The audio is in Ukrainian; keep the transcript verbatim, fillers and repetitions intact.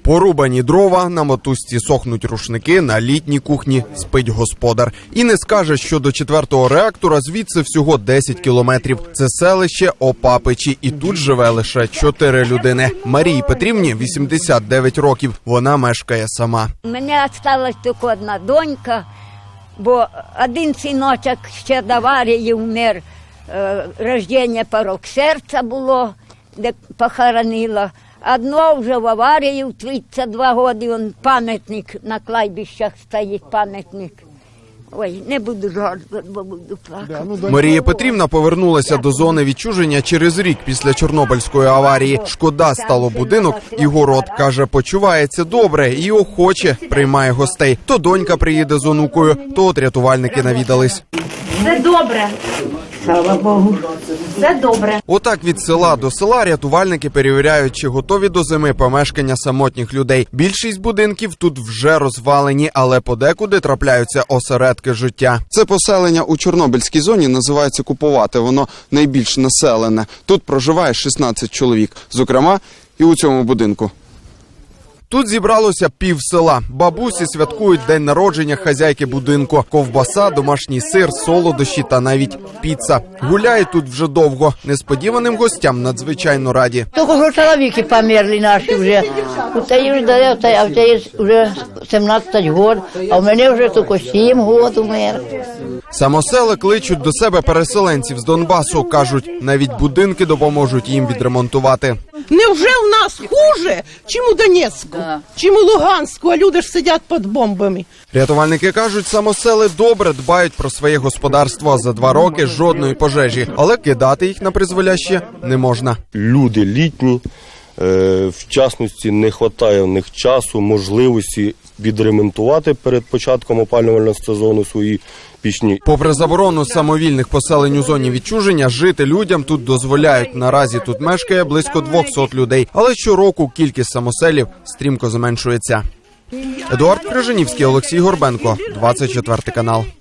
Порубані дрова, на мотузці сохнуть рушники, на літній кухні спить господар. І не скаже, що до четвертого реактора звідси всього десять кілометрів. Це селище Опапичі, і тут живе лише чотири людини. Марії Петрівні вісімдесят дев'ять років, вона мешкає сама. У мене залишилась тільки одна донька, бо один синочок ще до аварії вмер, е, рождення порок серця було, де похоронила. Одно вже в аварії в тридцять два роки, он пам'ятник на кладбищах стоїть, пам'ятник. Ой, не буду жартувати, бо буду плакати. Марія Петрівна повернулася до зони відчуження через рік після Чорнобильської аварії. Шкода стало будинок і город. Каже, почувається добре і охоче приймає гостей. То донька приїде з онукою, то от рятувальники навідались. Все добре. Слава Богу. Все добре. Отак від села до села рятувальники перевіряють, чи готові до зими помешкання самотніх людей. Більшість будинків тут вже розвалені, але подекуди трапляються осередки життя. Це поселення у Чорнобильській зоні називається Куповате. Воно найбільш населене. Тут проживає шістнадцять чоловік, зокрема і у цьому будинку. Тут зібралося пів села. Бабусі святкують день народження хазяйки будинку. Ковбаса, домашній сир, солодощі та навіть піца. Гуляють тут вже довго. Несподіваним гостям надзвичайно раді. Тільки що чоловіки померли наші вже. У теї вже, а в теї вже сімнадцять років, а в мене вже тільки сім років умер. Самосели кличуть до себе переселенців з Донбасу. Кажуть, навіть будинки допоможуть їм відремонтувати. Невже в нас хуже, чим у Донецьку, чим у Луганську, а люди ж сидять під бомбами? Рятувальники кажуть, самосели добре дбають про своє господарство. За два роки жодної пожежі, але кидати їх на призволяще не можна. Люди літні, в частності не вистачає в них часу, можливості відремонтувати перед початком опалювального сезону свої пічні. Попри заборону самовільних поселень у зоні відчуження, жити людям тут дозволяють. Наразі тут мешкає близько двохсот людей, але щороку кількість самоселів стрімко зменшується. Едуард Крижанівський, Олексій Горбенко, двадцять четвертий канал.